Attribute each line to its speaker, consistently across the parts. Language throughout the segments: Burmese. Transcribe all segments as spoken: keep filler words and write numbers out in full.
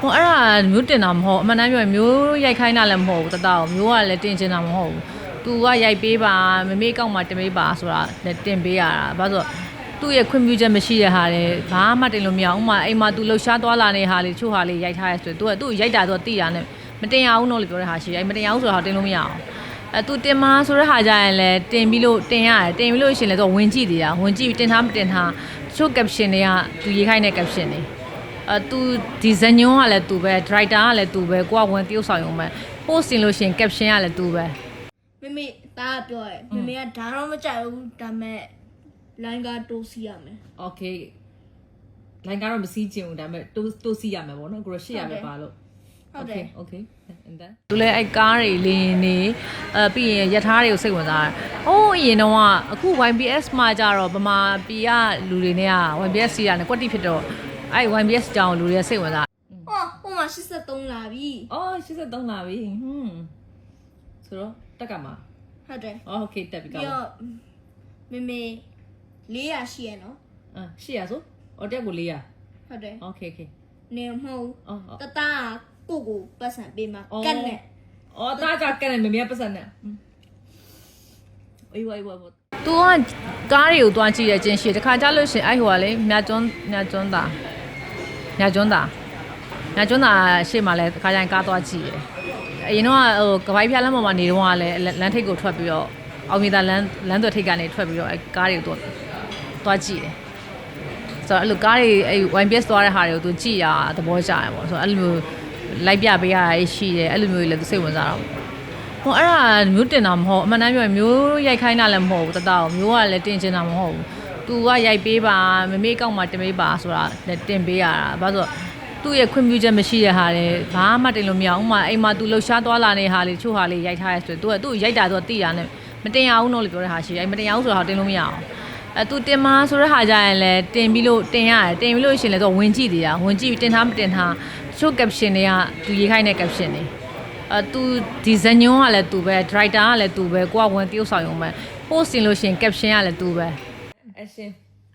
Speaker 1: ဟိုအဲ့ဒါမျိုးတင်တာမဟုတ်အမှန်တမ်းပြောရင်မျိုးရိုက်ခိုင်းတာလည်းမဟုတ်ဘူးတတောက်မျိုးကလည်းတင်ချင်တာမဟုတ်ဘူးသူကရိုက်ပေးပါမမေကောက်မှတင်ပေးပါဆိုတာလည်းတင်ပေးရတာဘာလို့သူ့ရဲ့ခွင့်ပြုချက်မရှိတဲ့ဟာလေဘာမှတင်လို့မရအောင်ဥမာအိမ်မှာသူလှူရှားသွားလာနေဟာလေချို့ဟာလေးရိုက်ထားရဲဆိုသူကသူ့ရိုက်တာတော့တိတာနဲ့မတင်ရအောင်တော့လို့ပြောတဲ့ဟာရှိတယ်မတင်ရအောင်ဆိုတာတင်လို့မရအောင်အဲသူတင်မဆိုတဲ့ဟာကြရင်လည်းတင်ပြီးလို့တင်ရတယ်တင်ပြီးလို့ရှင်လည်းတော့ဝင်ကြည့်သေးတာဝင်ကြည့်တင်ထားမတင်ထားချို့ caption တွေကသူရေးခိုင်းတဲ့ caption တွေအဲသူဒီဇညွန်းကလည်းသူပဲ director ကလည်းသူပဲကိုကဝင်တရုပ်ဆောင်ရုံပဲ post တင်လို့ရှင် caption ကလည်းသူပဲ
Speaker 2: မမေဒါကပြောရဲမမေကဒါတော့မကြိုက်ဘူးဒါမဲ့လိုင်းကတိုးစီရမယ်
Speaker 1: okay လိုင်းကတော့မစီးချင်ဘူးဒါပေမဲ့တိုးတိုးစီးရမယ်ပေါ့နော်ကိုရရှိရမယ်ပါလို့
Speaker 2: ဟုတ်တယ်
Speaker 1: okay and then သူလည်းအဲ့ကားတွေလင်းနေအဲပြီးရင်ရထားတွေကိုစိတ်ဝင်စားတယ်။အိုးအရင်တော့အခု Y B S မှာကြတော့ဗမာပြည်ကလူတွေနဲ့က Y B S စီရတယ်ကွက်တိဖြစ်တော့အဲ့ Y B S ကြောင်လူတွေစိတ်ဝင်စား
Speaker 2: ဟောဟိုမှာeighty-threeလာပြီ
Speaker 1: ။အော်eighty-threeလာပြီ။ဟွန်းဆိုတော့တက်ကမှာ
Speaker 2: ဟုတ်တယ်
Speaker 1: ။အော် okay တက်ပြီကောင်း
Speaker 2: ။မမေfour hundredရှိရနော်
Speaker 1: ။အာfour hundredဆိုအော်တက်ကိုfour hundred
Speaker 2: ဟုတ်တယ်
Speaker 1: ။ okay okay
Speaker 2: နေမဟုတ်။တတာကိုကိုပတ်စံပေးမှာကတ်နဲ့
Speaker 1: ။အော်တာကကတ်နဲ့မမေပတ်စံနဲ့။အေးဝေးဝေး။ तू ကကားတွေကိုတွားကြည့်ရခြင်းရှိတခါကြလို့ရှင်အဲ့ဟိုကလေမြကျွန်းမြကျွန်းသားမြကျွန်းသားမြကျွန်းသားရှေ့မှာလဲတခါကျရင်ကားတွားကြည့်ရအရင်တော့ဟိုကပိုက်ပြလမ်းပေါ်မှာနေတော့ကလည်းလမ်းထိပ်ကိုထွက်ပြီးတော့အောင်မြေသာလမ်းလမ်းသွယ်ထိပ်ကနေထွက်ပြီးတော့အဲကားတွေကိုတွားကြည့်တယ်ဆိုတော့အဲ့လိုကားတွေအဲ Y B S သွားတဲ့ဟာတွေကို तू ကြည့်ရသဘောကျရပေါ့ဆိုတော့အဲ့လိုလိုက်ပြပေးရရှိတယ်အဲ့လိုမျိုးတွေလည်း तू စိတ်ဝင်စားတော့ဟိုအဲ့ဒါမျိုးတင်တာမဟုတ်အမှန်တမ်းပြောရင်မျိုးရိုက်ခိုင်းတာလည်းမဟုတ်ဘူးတတောက်မျိုးကလည်းတင်ချင်တာမဟုတ်ဘူးသူကရိုက်ပေးပါမမေကောက်မှတင်ပေးပါဆိုတာလည်းတင်ပေးရတာဘာလို့သူ့ရဲ့ခွင့်ပြုချက်မရှိတဲ့ဟာလေဘာမှတင်လို့မရအောင်ဥမာအိမ်မှာသူလှူရှားသွားလာနေဟာလေချို့ဟာလေးရိုက်ထားရဲဆိုသူကသူ့ရိုက်တာတော့တိတာနဲ့မတင်ရအောင်တော့လို့ပြောတဲ့ဟာရှိတယ်မတင်ရအောင်ဆိုတာတင်လို့မရအောင်အဲသူတင်မဆိုတဲ့ဟာကြရင်လည်းတင်ပြီးလို့တင်ရတယ်တင်ပြီးလို့ရှင်လည်းတော့ဝင်ကြည့်သေးတာဝင်ကြည့်တင်ထားမတင်ထားချို့ caption တွေကသူရေးခိုင်းတဲ့ caption တွေအဲသူဒီဇညွန်းကလည်းသူပဲ director ကလည်းသူပဲကိုကဝင်တရုပ်ဆောင်ရုံပဲ post တင်လို့ရှင် caption ကလည်းသူပဲအရှင်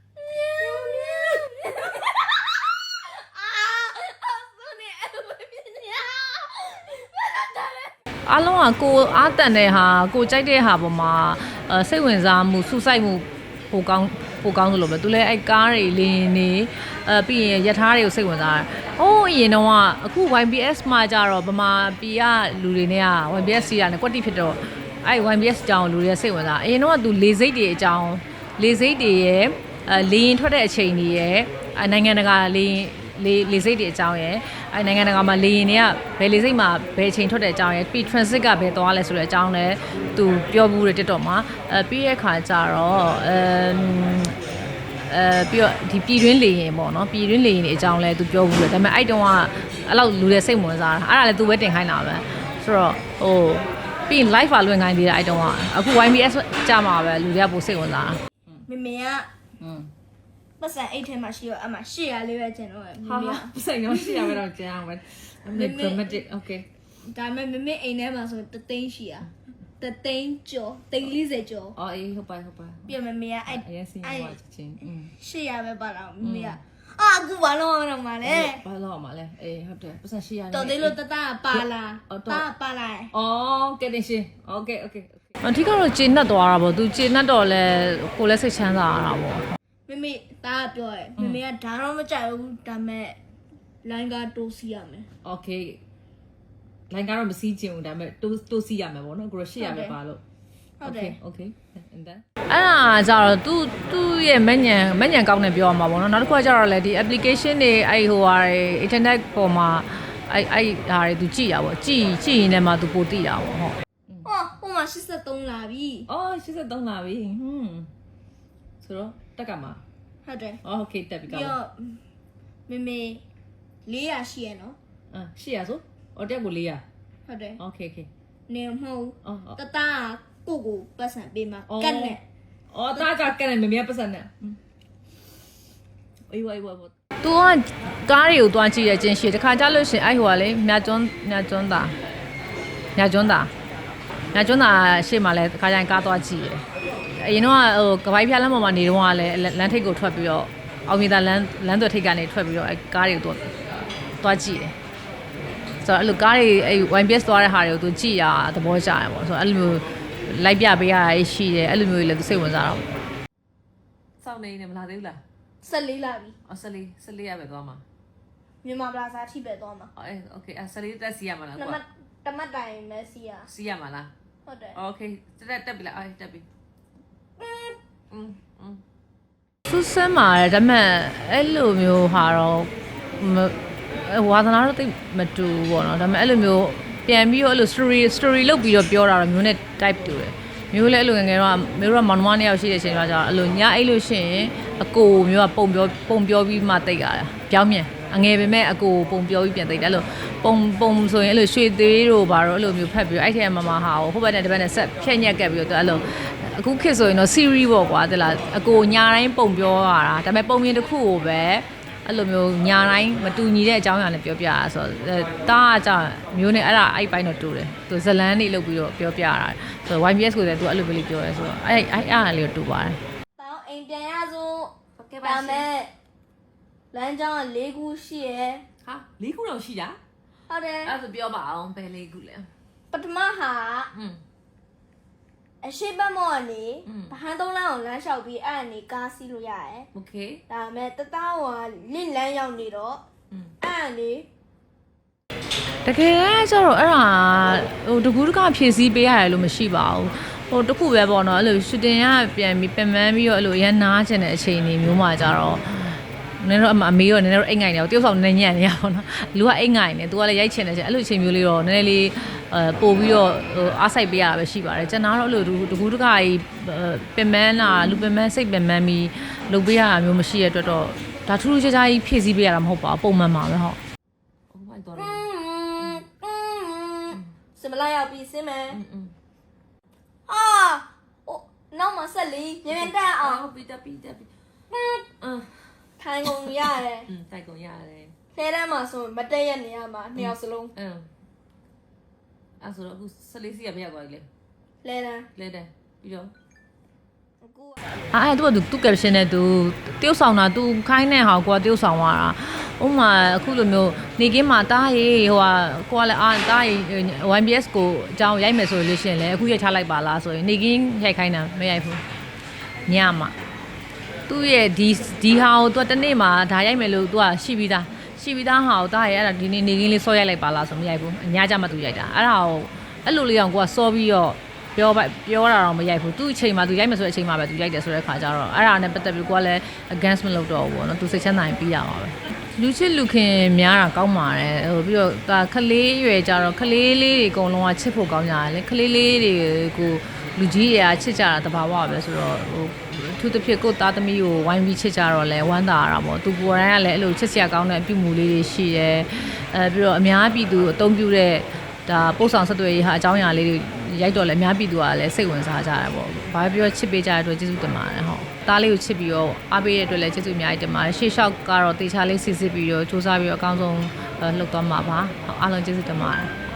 Speaker 1: အားလုံးကကိုအားတန်တဲ့ဟာကိုကြိုက်တဲ့ဟာပေါ်မှာအဲစိတ်ဝင်စားမှုစူးစိုက်မှုပိုကောင်းပိုကောင်းသလိုပဲသူလည်းအဲ့ကားတွေလင်းနေအဲပြီးရင်ရထားတွေကိုစိတ်ဝင်စားတယ်။အိုးအရင်တော့အခု Y B S မှာကြတော့ဗမာပြည်ကလူတွေနဲ့က Y B S စီရတယ်ကွက်တိဖြစ်တော့အဲ့ Y B S ကြောင်လူတွေစိတ်ဝင်စားအရင်တော့သူလေစိတ်တွေအကြောင်းလေစိတ်တွေရဲ့အဲလေရင်ထွက်တဲ့အချိန်တွေရဲ့နိုင်ငံတကာလေလေလေစိတ်တွေအကြောင်းရယ်အဲနိုင်ငံတကာမှာလေရင်တွေကဘယ်လေစိတ်မှာဘယ်အချိန်ထွက်တဲ့အကြောင်းရယ်ပြီး transit ကဘယ်သွားလဲဆိုတဲ့အကြောင်းလဲသူပြောဘူးတယ် TikTok မှာအဲပြီးရဲ့ခါကျတော့အဲအဲပြီးတော့ဒီပြည်တွင်းလေရင်ပေါ့နော်ပြည်တွင်းလေရင်တွေအကြောင်းလဲသူပြောဘူးတယ်ဒါပေမဲ့အဲ့တုန်းကအဲ့လောက်လူတွေစိတ်ဝင်စားတာအဲ့ဒါလဲသူပဲတင်ခိုင်းတာပဲဆိုတော့ဟိုပြီး live ပါလွှင့်ခိုင်းသေးတာအဲ့တုန်းကအခု Y B S ကြာမှာပဲလူတွေကပိုစိတ်ဝင်စားတာ
Speaker 2: မမေကอืมပတ်စံအိတ်ထဲမှာရှိတော့အမှရှေ့ရလေးပဲကျင်တော့မမေက
Speaker 1: ပတ်စံရောရှေ့ရပဲတော့ကျန်အောင်ပဲအမေ dramatic okay
Speaker 2: ဒါပေမဲ့မမေအိမ်ထဲမှာဆိုတသိန်းရှိရတသိန်းကျော်သိန်းfortyကျော်
Speaker 1: အော်အေးဟုတ်ပါဟုတ်ပါ
Speaker 2: ပြမမေကအဲ့
Speaker 1: အရင်စီးသွားချင်းอืม
Speaker 2: ရှေ့ရပဲပါတော့မမေကအာအခုဘာလို့အောင်တော့မလဲ
Speaker 1: ဘာလို့အောင်မလဲအေးဟုတ်တယ်ပတ်စံရှေ့ရ
Speaker 2: တော်သေးလို့တတပါလာတာပါလာ
Speaker 1: အော်ကဲတင်ရှင် okay okay အထီးကတော့ကျေနပ်သွားတာပေါ့သူကျေနပ်တော့လဲကိုလည်းစိတ်ချမ်းသာရတာပေါ့
Speaker 2: မမေဒါကပြောရဲမမေကဒါတော့မကြိုက်ဘူးဒါမဲ့လိုင်းကတိုးစီရမယ်
Speaker 1: okay လိုင်းကတော့မစီးချင်ဘူးဒါပေမဲ့တိုးတိုးစီးရမယ်ပေါ့နော်ကိုရရှိရမယ်ပါလို့
Speaker 2: ဟုတ်တယ်
Speaker 1: okay and then အဲ့ဒါကြတော့သူသူ့ရဲ့မညံမညံကောင်းနေပြောရမှာပေါ့နော်နောက်တစ်ခုကကြတော့လေဒီ application တွေအဲ့ဟိုဟာတွေ internet ပေါ်မှာအဲ့အဲ့ဟာတွေသူကြည့်ရပါဘောကြည့်ကြည့်ရင်လည်းမှသူပိုသိတာပေါ့ဟုတ်
Speaker 2: ဟောဟိုမှာeighty-threeလာပြီ
Speaker 1: အော်eighty-threeလာပြီဟွန်းဆိုတော့တက်ကမှာ
Speaker 2: ဟုတ်တယ်
Speaker 1: အော် okay တက်ပြီကောင်း
Speaker 2: မမေfour hundredရှိရနော်
Speaker 1: အာfour hundredဆိုအော်တက်ကိုfour hundred
Speaker 2: ဟုတ်တယ်
Speaker 1: okay okay
Speaker 2: နေမဟုတ်တတာကိုကိုပတ်စံပေးမှာကတ်နဲ့
Speaker 1: အော်တာကကတ်နဲ့မမြပတ်စံနဲ့အေးဝေးဝေးသူကကားတွေကိုတွားကြည့်ရခြင်းရှိတခါကြလို့ရှင်အဲ့ဟိုကလေမြကျွန်းမြကျွန်းသားမြကျွန်းသားမြကျွန်းသားရှေ့မှာလဲတခါကျရင်ကားတွားကြည့်ရအရင်တော့ဟိုကပိုက်ပြလမ်းပေါ်မှာနေတော့ကလည်းလမ်းထိပ်ကိုထွက်ပြီးတော့အောင်မြေသာလမ်းလမ်းသွယ်ထိပ်ကနေထွက်ပြီးတော့အဲကားတွေကိုတွားကြည့်တယ်ဆိုတော့အဲ့လိုကားတွေအဲ့ one piece သွားတဲ့ဟာတွေကိုသူကြည့်ရသဘောကျတယ်ပေါ့ဆိုတော့အဲ့လိုမျိုးလိုက်ပြပေးရတာရှိတယ်အဲ့လိုမျိုးလည်းသူစိတ်ဝင်စားတော့စောင့်နေနေမလားသေးဘူးလား
Speaker 2: ဆက်လေးလာပြီ
Speaker 1: အော်ဆက်လေးဆက်လေးရပဲသွားမှာ
Speaker 2: မြန်မာပလာဇာထိပဲသွားမှာ
Speaker 1: အေးโอเคအဲ့ဆက်လေးတက်စီရမှာလား
Speaker 2: နံ
Speaker 1: ကွာ
Speaker 2: ပါတ်တမတ်တိုင်မဲစီယာ
Speaker 1: စီရမှာလား
Speaker 2: ဟုတ်တယ်
Speaker 1: โอเคတက်တက်ပြီလားအေးတက်ပြီอืมอืมဆူဆမ်းမှာဒါပေမဲ့အဲ့လိုမျိုးဟာတော့ဝါသနာတော့တိတ်မတူဘူးပေါ့နော်ဒါပေမဲ့အဲ့လိုမျိုးပြန်ပြီးတော့အဲ့လို story story လုပ်ပြီးတော့ပြောတာတော့မျိုးနဲ့ type တူတယ်မျိုးလည်းအဲ့လိုငယ်ငယ်တော့မျိုးတော့မောင်နှမနှစ်ယောက်ရှိတဲ့အချိန်ကကြာအဲ့လိုညအဲ့လို့ရှိရင်အကိုမျိုးကပုံပြောပုံပြောပြီးမှတိတ်ရတာပြောင်းမြန်အငယ်ပဲမဲ့အကိုပုံပြောပြီးပြန်တိတ်တယ်အဲ့လိုပုံပုံဆိုရင်အဲ့လိုရွှေသေးတို့ဘာတော့အဲ့လိုမျိုးဖတ်ပြီးအဲ့ထက်မမဟာဟိုဘက်နဲ့ဒီဘက်နဲ့ဆက်ဖြက်ညက်ကပ်ပြီးတော့အဲ့လိုအခုခေတ်ဆိုရင်တော့ series ပေါ့ကွာတလားအကိုညာတိုင်းပုံပြောရတာဒါပေမဲ့ပုံမြင်တစ်ခုကိုပဲအဲ့လိုမျိုးညာတိုင်းမတူညီတဲ့အကြောင်းအရာနဲ့ပြောပြရဆိုတော့တားကကြောင့်မျိုးနဲ့အဲ့ဒါအဲ့ပိုင်းတော့တူတယ်သူဇလန်းလေးလုပ်ပြီးတော့ပြောပြရတာဆိုတော့ one piece ကိုလည်းသူအဲ့လိုပဲလေးပြောရဲဆိုတော့အဲ့အဲ့အဲ့အားလေးတော့တူပါတယ်
Speaker 2: တောင်းအိမ်ပြန်ရစို့ဒါမဲ့လမ်းကြောင်းက၄ခုရှိရယ်
Speaker 1: ဟာလေးခုတော့ရှိတာ
Speaker 2: ဟုတ်တယ်
Speaker 1: အဲ့ဒါဆိုပြောပါအောင်ဘယ်လေးခုလဲ
Speaker 2: ပထမဟာ
Speaker 1: อืม
Speaker 2: အရှိတ်မော့ကနေ
Speaker 1: อืม
Speaker 2: ဗဟန်းသုံးလမ်းကိုလမ်းလျှောက်ပြီးအဲ့အနေကားစီးလို့ရတယ်
Speaker 1: โอเค
Speaker 2: ဒါမဲ့တသားဟိုကလင့်လန်းရောက်နေတော့
Speaker 1: อืม
Speaker 2: အဲ့အနေ
Speaker 1: တကယ်ကျတော့အဲ့ဒါဟိုတကူးတကဖြည့်ဆည်းပေးရတယ်လို့မရှိပါဘူးဟိုတခုပဲပေါ့နော်အဲ့လိုရှူတင်ရပြန်ပြီးပြန်မှန်းပြီးတော့အဲ့လိုရန်နားကျင်တဲ့အချိန်တွေမျိုးမှကြတော့နည်းတော့အမေရောနည်းနည်းတော့အိတ်ငိုင်နေတော့တယောက်ဆောင်နည်းညံ့နေရပါတော့လူကအိတ်ငိုင်နေသူကလည်းရိုက်ချင်တယ်ကျအဲ့လိုအချိန်မျိုးလေးတော့နည်းနည်းလေးအဲပို့ပြီးတော့ဟိုအားစိုက်ပေးရတာပဲရှိပါတယ်ကျွန်တော်တော့အဲ့လိုတကူးတကကြီးပင်မန်းလာလူပင်မန်းစိတ်ပင်မန်းပြီးလုပ်ပေးရတာမျိုးမရှိရတဲ့အတွက်တော့ဒါထူးထူးခြားခြားကြီးဖြည့်ဆည်းပေးရတာမဟုတ်ပါဘူးပုံမှန်ပါပဲဟုတ် Oh my god
Speaker 2: စမလာရောက်ပြီးစင်းမယ်
Speaker 1: อืม
Speaker 2: ဟာအိုးနောက်မှာဆက်လီမြန်မြန်တက်အောင်
Speaker 1: ဟုတ်ပြီတက်ပြီတက်ပြီအင်း
Speaker 2: ထိုင်ကုန်ရတယ်
Speaker 1: อืมတိုက်ကုန်ရတယ်
Speaker 2: ထဲတန်းမှာဆိုမတက်ရနေရမှာနှစ်ယောက်စလုံး
Speaker 1: အင်းအဲ့ဆိုတော့အခုဆက်လေးစီရပြရသွားပြီလေ
Speaker 2: လဲတန်း
Speaker 1: လဲတယ်ပြီးတော့
Speaker 2: အခုက
Speaker 1: အဲ့အဲ့သူကသူ caption နဲ့သူတယောက်ဆောင်တာသူခိုင်းတဲ့ဟာကိုကတယောက်ဆောင်သွားတာဥပမာအခုလိုမျိုးနေကင်းမှာတားရေးဟိုဟာကိုကလည်းအာတားရေး one piece ကိုအကြောင်းရိုက်မယ်ဆိုလို့ရှိရင်လည်းအခုရိုက်ထားလိုက်ပါလားဆိုရင်နေကင်းရိုက်ခိုင်းတာမရိုက်ဘူးညမှာသူ့ရဲ့ဒီဒီဟာကိုသူကတနေ့မှာဒါရိုက်မယ်လို့သူကရှိပြီးသားရှိပြီးသားဟာကိုတားရေးအဲ့ဒါဒီနေ့နေကင်းလေးစောရိုက်လိုက်ပါလားဆိုမရိုက်ဘူးအညာကြမှာသူရိုက်တာအဲ့ဒါကိုအဲ့လိုလေးအောင်ကိုကစောပြီးတော့ပြောပါပြောတာတော့မရိုက်ဘူးသူ့အချိန်မှာသူရိုက်မယ်ဆိုတဲ့အချိန်မှာပဲသူရိုက်တယ်ဆိုတဲ့ခါကျတော့အဲ့ဒါနဲ့ပတ်သက်ပြီးကိုကလည်း against မလုပ်တော့ဘူးပေါ့နော်သူစိတ်ချမ်းသာရင်ပြီးရပါပဲလူချစ်လူခင်များတာကောင်းပါတယ်ဟိုပြီးတော့ဒါခလေးရွယ်ကြတော့ခလေးလေးတွေအကုန်လုံးကချစ်ဖို့ကောင်းကြတယ်လေခလေးလေးတွေကိုလူကြီးတွေကချစ်ကြတာတဘာဝပဲဆိုတော့ဟိုသူတစ်ဖြစ်ကိုသားသမီးကိုဝိုင်းပြီးချစ်ကြတော့လဲဝမ်းသာရတာပေါ့သူကိုယ်တိုင်ကလည်းအဲ့လိုချစ်စရာကောင်းတဲ့အပြုမှုလေးတွေရှိတယ်အဲပြီးတော့အများပြည်သူအသုံးပြုတဲ့ဒါပို့ဆောင်ဆက်သွယ်ရေးဟာအကြောင်းအရာလေးတွေရိုက်တော့လဲအများပြည်သူကလည်းစိတ်ဝင်စားကြတယ်ပေါ့။ဘာပြောချစ်ပေးကြတဲ့အတွက်ကျေးဇူးတင်ပါတယ်ဟုတ်။သားလေးကိုချစ်ပြီးတော့အားပေးတဲ့အတွက်လည်းကျေးဇူးအများကြီးတင်ပါတယ်။ရှေ့လျှောက်ကတော့တေချာလေးစစ်စစ်ပြီးတော့စူးစမ်းပြီးတော့အကောင်းဆုံးလှုပ်သွားမှာပါ။အားလုံးကျေးဇူးတင်ပါတယ်။